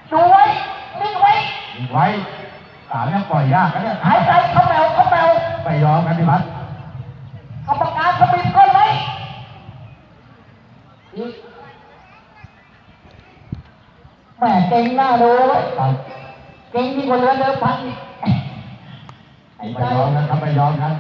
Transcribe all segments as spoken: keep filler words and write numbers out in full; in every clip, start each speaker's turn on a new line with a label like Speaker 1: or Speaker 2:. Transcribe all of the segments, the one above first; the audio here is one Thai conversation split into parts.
Speaker 1: ดูไว้นิ่งไว้
Speaker 2: นิ่งไว้สามยังปล่อยยากนะเนี่ย
Speaker 1: หายใจเข้าแมวเข้าแมว
Speaker 2: ไม่ยอมกันพี่พัด
Speaker 1: กรรมการขมิบก้นไว้อีกแม่เก่งหน้าดูไว้เก่งยิ่งกว่าเรือเดิมพันอีก
Speaker 2: ไม่ยอมกันครับไม่ยอมกัน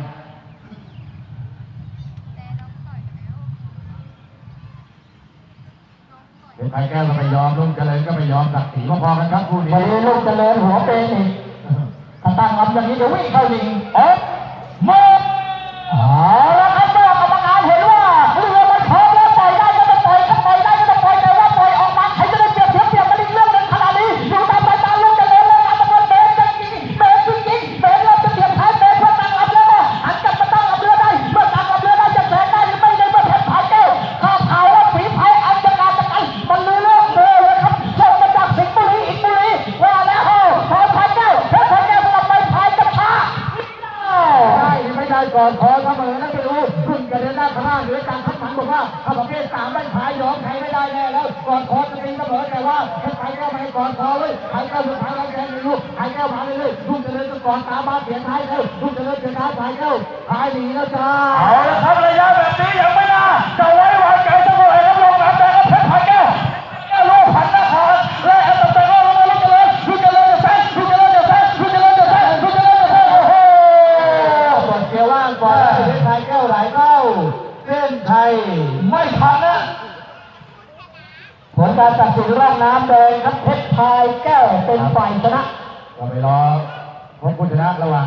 Speaker 2: เป็นไทยแก้วก็ไม่ยอมลุงเจริญก็ไม่ยอมศักดิ์ศรีพอๆกันครับคู่นี้
Speaker 1: วันนี้ลุงเจริญหัวเป็นอีกถ้าตั้งลำอย่างนี้เดี๋ยววิ่งเข้ายิงเอ๊ะหมดเอาละครับเมื่อกรรมการเห็นว่าเรือมันพร้อมแล้วปล่อยได้ก็ต้องปล่อยถ้าปล่อยได้ก็ต้องปล่อยแต่ว่าปล่อยออกมาใครจะได้เปรียบเทียบเปรียบกันอีกเรื่องหนึ่งขนาดนี้อยู่ตามสายตาลุงเจริญแล้วนะตะวันเบนจริงเบนจริงเบนเราจะเปลี่ยนท้ายเบนเพื่อตั้งลำเรือหันกลับมาตั้งลำเรือได้เมื่อตั้งลำเรือได้จะแซงได้หรือไม่ได้เมื่อเพชรพายแก้วข้าวขาวว่าฝีพายอันจะการจะกันมันลือเรื่องเบอเลยครับส่งมาจากสิงห์บุรีอีกบุรีว่าแล้วเฮ้ยพายพายแก้วเพชรพายแก้วสลับไปพายจะช้า
Speaker 2: ได้ไม่ได้ก่อนขอเสมอนะไม่รู้คุณจะเดินหน้าข้างล่างหรือการทักทันบอกว่าถ้าประเภทสามไม่พายยอมใครไม่ได้แน่แล้วก่อนคอจะตีเสมอแต่ว่าถ้าใครก็ไม่ก่อนคอเลยใครก็สุดท้ายแล้วแกไม่รู้ใครก็มาเลยลุงจะเดินก่อนตามมาเปลี่ยนท้ายแล้วลุงจะเดินเปลี่ยนท้ายพายเก้าพายหนีแล้วจ้า
Speaker 1: เอาละครับระยะแบบนี้ยังไม่น่าจะไว้วางใจเสมอครับลงน้ำแดงกับเพชรพายแก้วแก้วลูกพันนครและอันดับแรกก็ลงมาลุงเจริญลุงเจริญจะแซงลุงเจริญจะแซงลุงเจริญจะแซงลุงเจริญจะแซงโอ้โห
Speaker 2: กดเกียร์ว่างก่อนเพชรพายแก้วไหลเข้าเส้นไทย
Speaker 1: ไม่ทันนะผลการตัดสินร่องน้ำแดงครับเพชรพายแก้วเป็นฝ่ายชนะ
Speaker 2: เราไปรอพบผู้ชนะระหว่าง